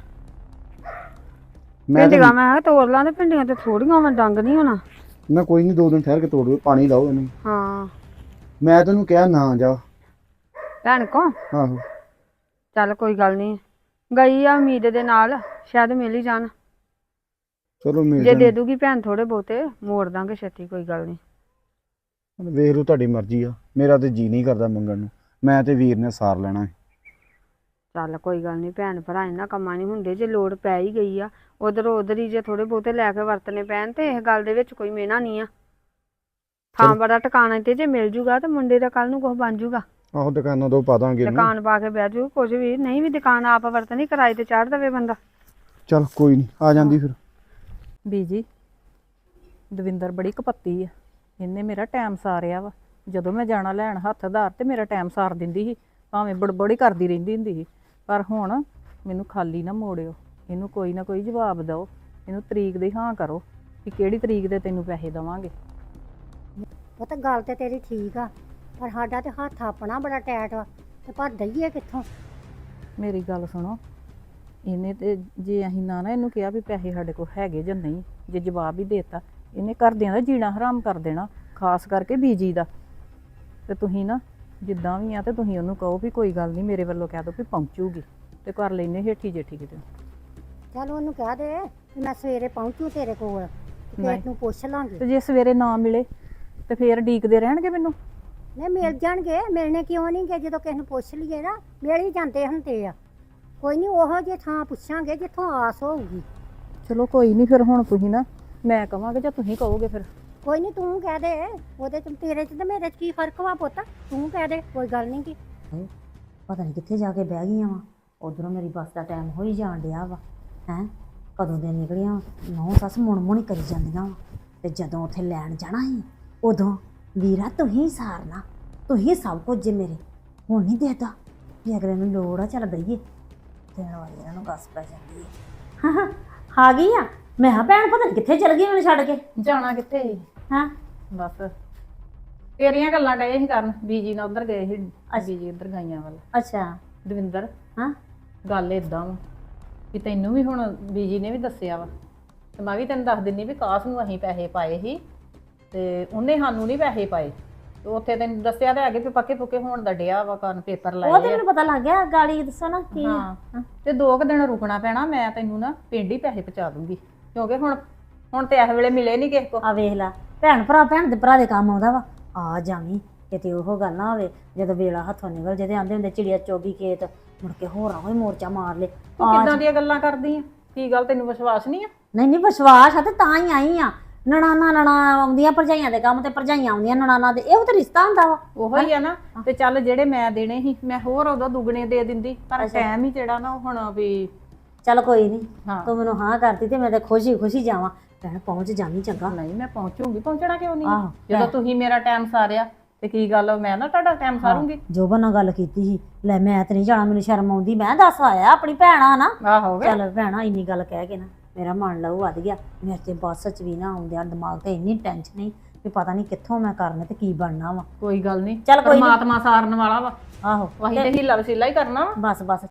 Speaker 2: ਮੈਂ
Speaker 6: ਭਿੰਡੀਆਂ ਮੈਂ ਕਿਹਾ ਤੋੜ ਲਾਂ, ਤੇ ਭਿੰਡੀਆਂ ਤੇ ਥੋੜੀਆਂ ਵਾ, ਡੰਗ ਨਹੀਂ ਹੋਣਾ।
Speaker 2: ਮੈਂ ਕੋਈ ਨਹੀਂ 2 ਦਿਨ ਠਹਿਰ ਕੇ ਤੋੜ ਦਿਓ, ਪਾਣੀ ਲਾਓ ਇਹਨੂੰ।
Speaker 6: ਹਾਂ
Speaker 2: ਮੈਂ ਤੈਨੂੰ ਕਿਹਾ ਨਾ ਜਾ।
Speaker 6: ਭੈਣ ਕੋ
Speaker 2: ਆਹੋ
Speaker 6: ਚੱਲ ਕੋਈ ਗੱਲ ਨਹੀਂ, ਗਈ ਆ ਉਮੀਦ ਦੇ ਨਾਲ, ਸ਼ਾਇਦ ਮਿਲ ਹੀ ਜਾਣ।
Speaker 2: ਚਲੋ ਮਿਲ
Speaker 6: ਜੇ ਦੇ
Speaker 2: ਜਾਣ।
Speaker 6: ਦੂਗੀ ਭੈਣ ਥੋੜੇ ਬਹੁਤੇ, ਮੋੜ ਦਾਂਗੇ ਛੇਤੀ, ਕੋਈ ਗੱਲ ਨਹੀਂ।
Speaker 2: ਵੇਖ ਲਓ ਤੁਹਾਡੀ ਮਰਜ਼ੀ ਆ, ਮੇਰਾ ਤੇ ਜੀ ਨਹੀਂ ਕਰਦਾ ਮੰਗਣ ਨੂੰ, ਮੈਂ ਤੇ ਵੀਰ ਨੇ ਸਾਰ ਲੈਣਾ ਹੈ।
Speaker 6: ਚੱਲ ਕੋਈ ਗੱਲ ਨਹੀਂ, ਭੈਣ ਭਰਾ ਇਹਨਾਂ ਕੰਮਾਂ ਨਹੀਂ ਹੁੰਦੇ, ਜੇ ਲੋੜ ਪੈ ਹੀ ਗਈ ਆ ਉਧਰ ਹੀ ਜੇ ਥੋੜੇ ਬਹੁਤੇ ਲੈ ਕੇ ਵਰਤਨੇ ਪੈਣ, ਤੇ ਇਸ ਗੱਲ ਦੇ ਵਿੱਚ ਕੋਈ ਮਿਹਣਾ ਨਹੀਂ ਆ। ਥਾਂ ਬੜਾ ਟਿਕਾਣਾ ਤੇ ਜੇ ਮਿਲ ਜੂਗਾ ਤੇ ਮੁੰਡੇ ਦਾ ਕੱਲ ਨੂੰ ਕੁਝ ਬਣ ਜੂਗਾ।
Speaker 2: ਆਹੋ ਦੁਕਾਨਾਂ ਤੋਂ ਪਾ ਦਾਂਗੇ ਇਹਨੂੰ।
Speaker 6: ਦੁਕਾਨ ਪਾ ਕੇ ਬਹਿ ਜੂ, ਕੁਝ ਵੀ ਨਹੀਂ ਵੀ ਦੁਕਾਨ ਆਪ ਵਰਤਣੀ, ਕਿਰਾਏ ਤੇ ਚਾੜ ਦੇਵੇ ਬੰਦਾ।
Speaker 2: ਚੱਲ ਕੋਈ ਨਹੀਂ, ਆ ਜਾਂਦੀ ਫਿਰ।
Speaker 7: ਬੀਜੀ ਦਵਿੰਦਰ ਬੜੀ ਕਪੱਤੀ ਆ, ਇਹਨੇ ਮੇਰਾ ਟਾਈਮ ਸਾਰਿਆ ਵਾ। ਜਦੋਂ ਮੈਂ ਜਾਣਾ ਲੈਣ ਹੱਥ ਆਧਾਰ ਤੇ ਮੇਰਾ ਟਾਈਮ ਸਾਰ ਦਿੰਦੀ ਸੀ, ਭਾਵੇਂ ਬੜਬੜੀ ਕਰਦੀ ਰਹਿੰਦੀ ਹੁੰਦੀ ਸੀ। ਪਰ ਹੁਣ ਮੈਨੂੰ ਖਾਲੀ ਨਾ ਮੋੜਿਓ, ਇਹਨੂੰ ਕੋਈ ਨਾ ਕੋਈ ਜਵਾਬ ਦਿਓ ਇਹਨੂੰ ਤਰੀਕ ਦੀ ਹਾਂ ਕਰੋ ਕਿ ਕਿਹੜੀ ਤਰੀਕ ਦੇ ਤੈਨੂੰ ਪੈਸੇ ਦੇਵਾਂਗੇ।
Speaker 8: ਪੁੱਤ ਗੱਲ ਤੇ ਤੇਰੀ ਠੀਕ ਆ, ਪਰ ਸਾਡਾ ਤੇ ਹੱਥ ਆਪਣਾ ਬੜਾ ਟੈਟ ਵਾ, ਤੇ ਪਰ ਦਈਏ ਕਿੱਥੋਂ?
Speaker 7: ਮੇਰੀ ਗੱਲ ਸੁਣੋ, ਇਹਨੇ ਤੇ ਜੇ ਅਸੀਂ ਨਾ ਇਹਨੂੰ ਕਿਹਾ ਵੀ ਪੈਸੇ ਸਾਡੇ ਕੋਲ ਹੈਗੇ ਜਾਂ ਨਹੀਂ, ਜੇ ਜਵਾਬ ਹੀ ਦੇਤਾ ਇਹਨੇ ਘਰਦਿਆਂ ਦਾ ਜੀਣਾ ਹਰਾਮ ਕਰ ਦੇਣਾ, ਖਾਸ ਕਰਕੇ ਬੀਜੀ ਦਾ। ਤੇ ਤੁਸੀਂ ਨਾ ਜਿੱਦਾਂ ਵੀ ਆ ਤੇ ਤੁਸੀਂ ਉਹਨੂੰ ਕਹੋ ਵੀ ਕੋਈ ਗੱਲ ਨਹੀਂ, ਮੇਰੇ ਵੱਲੋਂ ਕਹਿ ਦਿਓ ਵੀ ਪਹੁੰਚੂਗੀ, ਤੇ ਕਰ ਲੈਨੇ ਹੇਠੀ ਜੇਠੀ ਕਿਤੇ।
Speaker 8: ਚੱਲ ਉਹਨੂੰ ਕਹਿ ਦੇ ਵੀ ਮੈਂ ਸਵੇਰੇ ਪਹੁੰਚੂ ਤੇਰੇ ਕੋਲ, ਤੇ
Speaker 7: ਨਹੀਂ।
Speaker 8: ਤੈਨੂੰ ਪੁੱਛ ਲਾਂਗੇ।
Speaker 7: ਤੇ ਜੇ ਸਵੇਰੇ ਨਾ ਮਿਲੇ ਤੇ ਫੇਰ ਡੀਕਦੇ ਰਹਿਣਗੇ ਮੈਨੂੰ।
Speaker 8: ਨਹੀਂ ਮਿਲ ਜਾਣਗੇ, ਮਿਲਣੇ ਕਿਉਂ ਨਹੀਂ ਗੇ? ਜਦੋਂ ਕਿਸੇ ਨੂੰ ਪੁੱਛ ਲਈਏ ਨਾ ਮਿਲ ਹੀ ਜਾਂਦੇ ਹੁੰਦੇ ਆ। ਕੋਈ ਨਹੀਂ, ਉਹੋ ਜਿਹੇ ਥਾਂ ਪੁੱਛਾਂਗੇ ਜਿੱਥੋਂ ਆਸ ਹੋਊਗੀ।
Speaker 7: ਚਲੋ ਕੋਈ ਨਹੀਂ, ਫਿਰ ਹੁਣ ਤੁਸੀਂ ਨਾ ਮੈਂ ਕਵਾਂਗੇ ਜਾਂ ਤੁਸੀਂ ਕਹੋਗੇ ਫਿਰ।
Speaker 8: ਕੋਈ ਨਹੀਂ, ਤੂੰ ਕਹਿ ਦੇ, ਉਹਦੇ ਚ ਤੇਰੇ ਚ ਤੇ ਮੇਰੇ ਚ ਕੀ ਫਰਕ ਵਾ ਪੁੱਤ? ਤੂੰ ਕਹਿ ਦੇ, ਕੋਈ ਗੱਲ ਨਹੀਂ ਕੀ।
Speaker 3: ਪਤਾ ਨਹੀਂ ਕਿੱਥੇ ਜਾ ਕੇ ਬਹਿ ਗਈਆਂ ਵਾ। ਉਧਰੋਂ ਮੇਰੀ ਬੱਸ ਦਾ ਟਾਈਮ ਹੋ ਹੀ ਜਾਣ ਡਿਆ ਵਾ। ਹੈ ਕਦੋਂ ਦੇ ਨਿਕਲੀਆਂ, ਨੌ ਸੱਸ ਮੁਣ ਹੀ ਕਰੀ ਜਾਂਦੀਆਂ ਵਾ। ਤੇ ਜਦੋਂ ਉੱਥੇ ਲੈਣ ਜਾਣਾ ਸੀ ਉਦੋਂ ਵੀਰਾ ਤੂੰ ਹੀ ਸਾਰਨਾ, ਤੂੰ ਹੀ ਸਭ ਕੁਝ ਜੇ ਮੇਰੇ। ਹੁਣ ਨਹੀਂ ਦੇਦਾ ਵੀ ਅਗਲੇ ਨੂੰ ਲੋੜ ਆ ਚੱਲ ਬਈਏ, ਦੇਣ ਵਾਲੀ ਇਹਨਾਂ ਨੂੰ ਗੱਸ ਪੈ ਜਾਂਦੀ ਹੈ। ਆ ਗਈ ਆ। ਮੈਂ ਕਿਹਾ ਭੈਣ ਪਤਾ ਨਹੀਂ ਕਿੱਥੇ ਚਲ ਗਈ ਮੈਨੂੰ ਛੱਡ ਕੇ।
Speaker 7: ਜਾਣਾ ਕਿੱਥੇ?
Speaker 3: ਹਾਂ
Speaker 7: ਬਸ ਤੇਰੀਆਂ ਗੱਲਾਂ ਡਏ ਸੀ ਕਰਨ, ਬੀਜੀ ਨਾਲ ਉਧਰ ਗਏ ਸੀ, ਬੀਜੀ ਉਧਰ ਗਾਈਆਂ ਵੱਲ।
Speaker 3: ਅੱਛਾ
Speaker 7: ਦਵਿੰਦਰ,
Speaker 3: ਹਾਂ
Speaker 7: ਗੱਲ ਇਦਾਂ ਵਾ ਵੀ ਤੈਨੂੰ ਵੀ ਹੁਣ ਬੀਜੀ ਨੇ ਵੀ ਦੱਸਿਆ ਵਾ, ਤੇ ਮੈਂ ਵੀ ਤੈਨੂੰ ਦੱਸ ਦਿੰਨੀ ਵੀ ਕਾਸ ਨੂੰ ਅਸੀਂ ਪੈਸੇ ਪਾਏ ਸੀ ਤੇ ਉਹਨੇ ਸਾਨੂੰ ਨਹੀਂ ਪੈਸੇ ਪਾਏ। ਤੇ ਉੱਥੇ ਤੈਨੂੰ ਦੱਸਿਆ ਤਾਂ ਹੈਗੇ ਵੀ ਪੱਕੇ ਪੁੱਕੇ ਹੋਣ ਦਾ ਡਿਆ ਵਾ, ਕਰਨ ਪੇਪਰ
Speaker 3: ਉਹ
Speaker 7: ਲਾਏ
Speaker 3: ਤੇ
Speaker 7: ਆ।
Speaker 3: ਮੈਨੂੰ ਪਤਾ ਲੱਗ ਗਿਆ। ਗਾਲੀ ਦੱਸੋ ਨਾ ਕੀ ਆ?
Speaker 7: ਹਾਂ ਤੇ 2 ਦਿਨ ਰੁਕਣਾ ਪੈਣਾ, ਮੈਂ ਤੈਨੂੰ ਨਾ ਪਿੰਡ ਹੀ ਪੈਸੇ ਪਹੁੰਚਾ ਦੂੰਗੀ, ਕਿਉਂਕਿ ਹੁਣ ਤੇ ਇਸ ਵੇਲੇ ਮਿਲੇ ਨਹੀਂ ਕਿਸੇ ਕੋ।
Speaker 3: ਆ ਵੇਖ ਲੈ, ਭੈਣ ਦੇ ਭਰਾ ਦੇ ਕੰਮ ਆਉਂਦਾ ਵਾ। ਆ ਜਾਵੀਂ ਕਿਤੇ ਉਹ ਗੱਲ ਨਾ ਹੋਵੇ ਜਦੋਂ ਵੇਲਾ ਹੱਥੋਂ ਨਿਕਲ ਜੇ ਤੇ ਆਂਦੇ ਹੁੰਦੇ ਚਿੜੀਆ ਚੋਗੀ ਖੇਤ, ਮੁੜ ਕੇ ਹੋਰਾਂ ਹੋਈ ਮੋਰਚਾ ਮਾਰ ਲੇ।
Speaker 7: ਤੂੰ ਕਿੱਦਾਂ ਦੀਆਂ ਗੱਲਾਂ ਕਰਦੀ ਆ? ਕੀ ਗੱਲ ਤੈਨੂੰ ਵਿਸ਼ਵਾਸ ਨਹੀਂ ਆ?
Speaker 3: ਨਹੀਂ ਵਿਸ਼ਵਾਸ ਆ ਤੇ ਤਾਂ ਹੀ ਆਈ ਆ। ਨਣਾ ਆਉਂਦੀਆਂ ਭਰਜਾਈਆਂ ਦੇ ਕੰਮ ਤੇ ਭਰਜਾਈਆਂ ਆਉਂਦੀਆਂ ਨਣਾਨਾਂ ਦੇ, ਇਹੋ ਤਾਂ ਰਿਸ਼ਤਾ ਹੁੰਦਾ ਵਾ।
Speaker 7: ਉਹੋ ਹੀ ਆ ਨਾ। ਤੇ ਚੱਲ ਜਿਹੜੇ ਮੈਂ ਦੇਣੇ ਸੀ ਮੈਂ ਹੋਰ ਉਦੋਂ ਦੁੱਗਣੇ ਦੇ ਦਿੰਦੀ, ਪਰ ਟਾਈਮ ਹੀ ਜਿਹੜਾ ਨਾ ਹੁਣ ਵੀ।
Speaker 3: ਚੱਲ ਕੋਈ ਨਹੀਂ,
Speaker 7: ਹਾਂ।
Speaker 3: ਤੂੰ ਮੈਨੂੰ ਹਾਂ ਕਰਤੀ ਤੇ ਮੈਂ ਤੇ ਖੁਸ਼ੀ ਜਾਵਾਂ। ਭੈਣ ਪਹੁੰਚ ਜਾਵੀਂ ਚੰਗਾ।
Speaker 7: ਨਹੀਂ ਮੈਂ ਪਹੁੰਚੂਗੀ, ਪਹੁੰਚਣਾ ਕਿਉਂ ਨਹੀਂ?
Speaker 3: ਆਹੋ,
Speaker 7: ਜਦੋਂ ਤੁਸੀਂ ਮੇਰਾ ਟਾਈਮ ਸਾਰਿਆ ਤੇ ਕੀ ਗੱਲ ਮੈਂ ਨਾ ਤੁਹਾਡਾ ਟਾਈਮ ਸਾਰੂੰਗੀ।
Speaker 3: ਜੋਬਨ ਨਾਲ ਗੱਲ ਕੀਤੀ ਸੀ, ਲੈ ਮੈਂ ਤੇ ਨਹੀਂ ਜਾਣਾ, ਮੈਨੂੰ ਸ਼ਰਮ ਆਉਂਦੀ। ਮੈਂ ਦੱਸ ਆਇਆ ਆਪਣੀ ਭੈਣਾ ਨਾ।
Speaker 7: ਆਹੋ
Speaker 3: ਚੱਲ ਭੈਣਾ ਇੰਨੀ ਗੱਲ ਕਹਿ ਕੇ ਨਾ ਮੇਰਾ ਮਨ ਲਹੂ ਵੱਧ ਗਿਆ। ਮੇਰੇ ਤੇ ਬੱਸ ਚ ਵੀ ਨਾ ਆਉਂਦਿਆਂ ਦਿਮਾਗ ਤੇ ਇੰਨੀ ਟੈਨਸ਼ਨ ਨਹੀਂ ਵੀ ਪਤਾ ਨਹੀਂ ਕਿੱਥੋਂ ਮੈਂ ਕਰਨਾ ਤੇ ਕੀ ਬਣਨਾ ਵਾ।
Speaker 7: ਕੋਈ ਗੱਲ ਨਹੀਂ,
Speaker 3: ਚੱਲ ਕੋਈ ਨੀ।
Speaker 7: ਪਰਮਾਤਮਾ ਸਾਰਨ ਵਾਲਾ ਵਾ।
Speaker 3: ਆਹੋ
Speaker 7: ਵਾਹੀ ਤੇ ਹੀਲਾ ਵਸੀਲਾ ਹੀ ਕਰਨਾ ਵਾ।
Speaker 3: ਬਸ